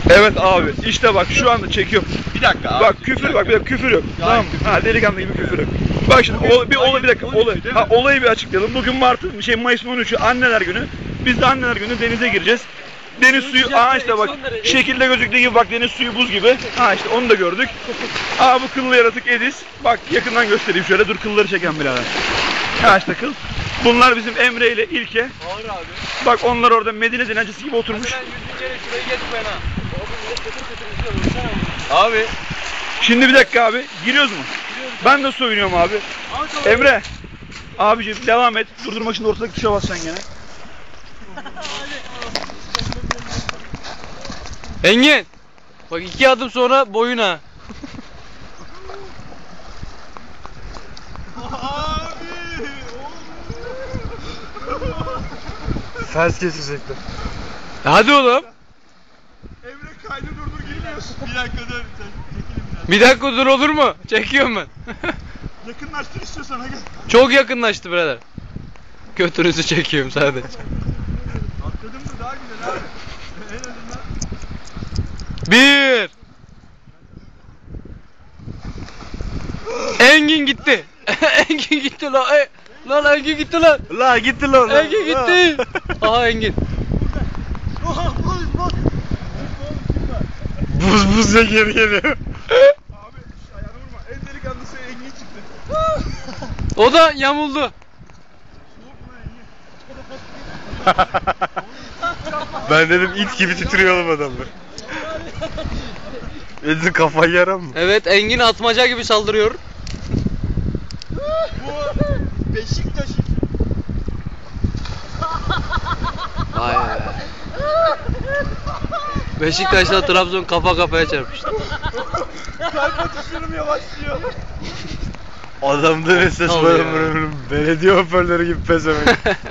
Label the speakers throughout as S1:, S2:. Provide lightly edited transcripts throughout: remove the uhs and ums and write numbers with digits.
S1: Evet abi, işte bak şu anda çekiyorum.
S2: Bir dakika abi.
S1: Bak küfür, bak bir dakika küfür yok.
S2: Ya,
S1: Tamam.
S2: küfür.
S1: Ha, delikanlı gibi küfür yok. Bak şimdi bir dakika olayı bir açıklayalım. Bugün Mayıs'ın 13'ü Anneler Günü. Biz de Anneler Günü denize gireceğiz. Deniz suyu, işte bak şekilde gözüktüğü gibi, bak deniz suyu buz gibi. İşte onu da gördük. Bu kıllı yaratık Edis. Bak yakından göstereyim şöyle, dur kılları çeken birader. İşte kıl. Bunlar bizim Emre ile İlke.
S2: Ağır abi.
S1: Bak onlar orada Medine dilencisi gibi oturmuş.
S2: Ben 100. yere şurayı geçmeyin ha. Abi.
S1: Şimdi bir dakika abi, giriyoruz mu? Ben de soyunuyorum abi. Emre. Abiciğim devam et. Durdurmak için ortadaki tuşa basacaksın gene.
S3: Engin. Bak 2 adım sonra boyuna.
S4: Fers kesecekler.
S3: Hadi oğlum.
S1: Emre kaydı durdur girmiyorsun.
S2: Bir dakika dur. Çekelim biraz.
S3: Bir dakika dur, olur mu? Çekiyorum ben.
S1: Yakınlaştır istiyorsan hadi.
S3: Çok yakınlaştı birader. Götünüzü çekiyorum sadece.
S1: Atladın mı daha güzel abi. En azından.
S3: 1. Engin gitti. Engin gitti lan. Lan Engin gitti lan.
S4: La gitti lan.
S3: Engin gitti. Aha Engin.
S4: Buz ya geri geliyor.
S1: Abi ayağını vurma. En delikanlısı Engin çıktı.
S3: O da yamuldu.
S4: Ben dedim it gibi titriyor oğlum adamlar. Edin kafayı yaran mı?
S3: Evet, Engin atmaca gibi saldırıyor.
S2: Bu Beşiktaş.
S3: Vay be. Beşiktaş'la Trabzon kafa kafaya çarpıştı.
S2: Kalp atışlarım yavaşlıyor.
S4: Adamda ne ses
S3: Tabii
S4: var
S3: ya.
S4: ömrüm. Belediye hoparlörü gibi pezemek.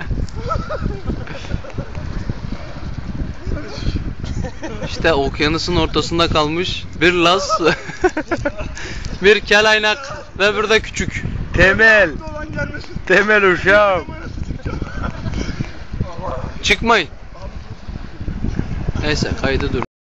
S3: İşte okyanusun ortasında kalmış bir Laz, bir kelaynak ve bir de küçük.
S4: Temel.
S1: Dolan gelmesin.
S4: Temel uşağım.
S3: Çıkmayın. Neyse kaydı dur.